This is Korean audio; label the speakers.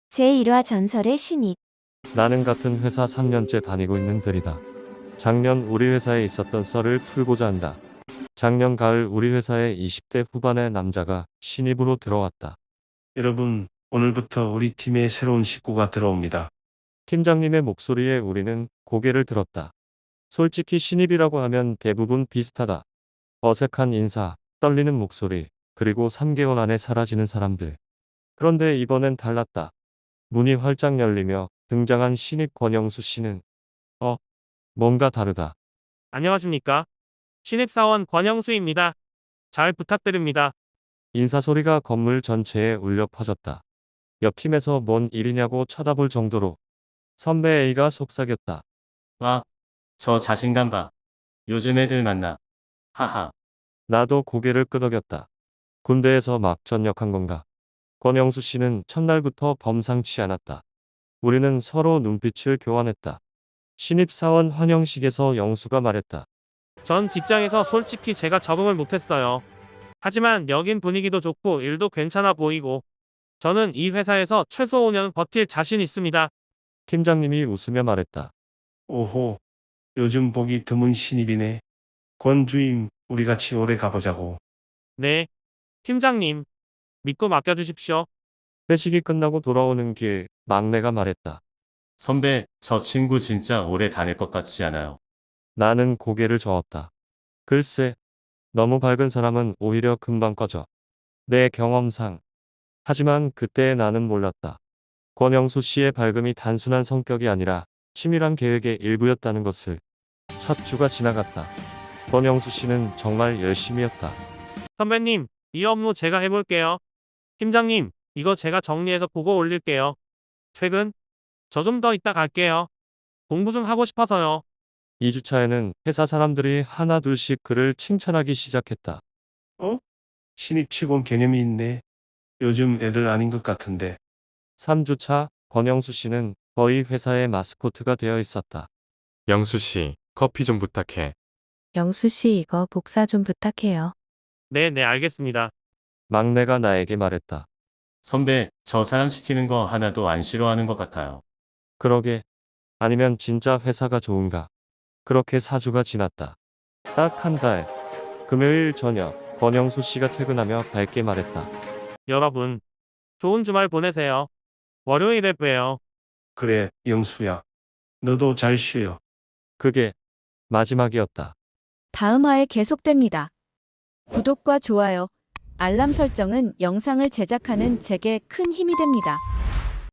Speaker 1: 제1화 전설의 신입.
Speaker 2: 나는 같은 회사 3년째 다니고 있는 들이다. 작년 우리 회사에 있었던 썰을 풀고자 한다. 작년 가을 우리 회사에 20대 후반의 남자가 신입으로 들어왔다.
Speaker 3: 여러분, 오늘부터 우리 팀에 새로운 식구가 들어옵니다.
Speaker 2: 팀장님의 목소리에 우리는 고개를 들었다. 솔직히 신입이라고 하면 대부분 비슷하다. 어색한 인사, 떨리는 목소리, 그리고 3개월 안에 사라지는 사람들. 그런데 이번엔 달랐다. 문이 활짝 열리며 등장한 신입 권영수 씨는 뭔가 다르다.
Speaker 4: 안녕하십니까? 신입사원 권영수입니다. 잘 부탁드립니다.
Speaker 2: 인사 소리가 건물 전체에 울려 퍼졌다. 옆 팀에서 뭔 일이냐고 쳐다볼 정도로 선배 A가 속삭였다.
Speaker 5: 와, 저 자신감 봐. 요즘 애들 만나. 하하.
Speaker 2: 나도 고개를 끄덕였다. 군대에서 막 전역한 건가? 권영수 씨는 첫날부터 범상치 않았다. 우리는 서로 눈빛을 교환했다. 신입사원 환영식에서 영수가 말했다.
Speaker 4: 전 직장에서 솔직히 제가 적응을 못했어요. 하지만 여긴 분위기도 좋고 일도 괜찮아 보이고 저는 이 회사에서 최소 5년 버틸 자신 있습니다.
Speaker 2: 팀장님이 웃으며 말했다.
Speaker 3: 오호, 요즘 보기 드문 신입이네. 권 주임, 우리 같이 오래 가보자고.
Speaker 4: 네, 팀장님. 믿고 맡겨주십시오.
Speaker 2: 회식이 끝나고 돌아오는 길 막내가 말했다.
Speaker 5: 선배, 저 친구 진짜 오래 다닐 것 같지 않아요?
Speaker 2: 나는 고개를 저었다. 글쎄, 너무 밝은 사람은 오히려 금방 꺼져. 내 경험상. 하지만 그때의 나는 몰랐다. 권영수 씨의 밝음이 단순한 성격이 아니라 치밀한 계획의 일부였다는 것을. 첫 주가 지나갔다. 권영수 씨는 정말 열심히였다.
Speaker 4: 선배님, 이 업무 제가 해볼게요. 팀장님, 이거 제가 정리해서 보고 올릴게요. 퇴근? 저 좀 더 이따 갈게요. 공부 좀 하고 싶어서요.
Speaker 2: 2주차에는 회사 사람들이 하나둘씩 그를 칭찬하기 시작했다.
Speaker 3: 신입 치곤 개념이 있네. 요즘 애들 아닌 것 같은데.
Speaker 2: 3주차 권영수 씨는 거의 회사의 마스코트가 되어 있었다.
Speaker 6: 영수 씨, 커피 좀 부탁해.
Speaker 7: 영수 씨 이거 복사 좀 부탁해요.
Speaker 4: 네, 알겠습니다.
Speaker 2: 막내가 나에게 말했다.
Speaker 5: 선배, 저 사람 시키는 거 하나도 안 싫어하는 것 같아요.
Speaker 2: 그러게. 아니면 진짜 회사가 좋은가. 그렇게 4주가 지났다. 딱 한 달. 금요일 저녁 권영수 씨가 퇴근하며 밝게 말했다.
Speaker 4: 여러분, 좋은 주말 보내세요. 월요일에 봬요.
Speaker 3: 그래, 영수야. 너도 잘 쉬어.
Speaker 2: 그게 마지막이었다.
Speaker 1: 다음 화에 계속됩니다. 구독과 좋아요, 알람 설정은 영상을 제작하는 제게 큰 힘이 됩니다.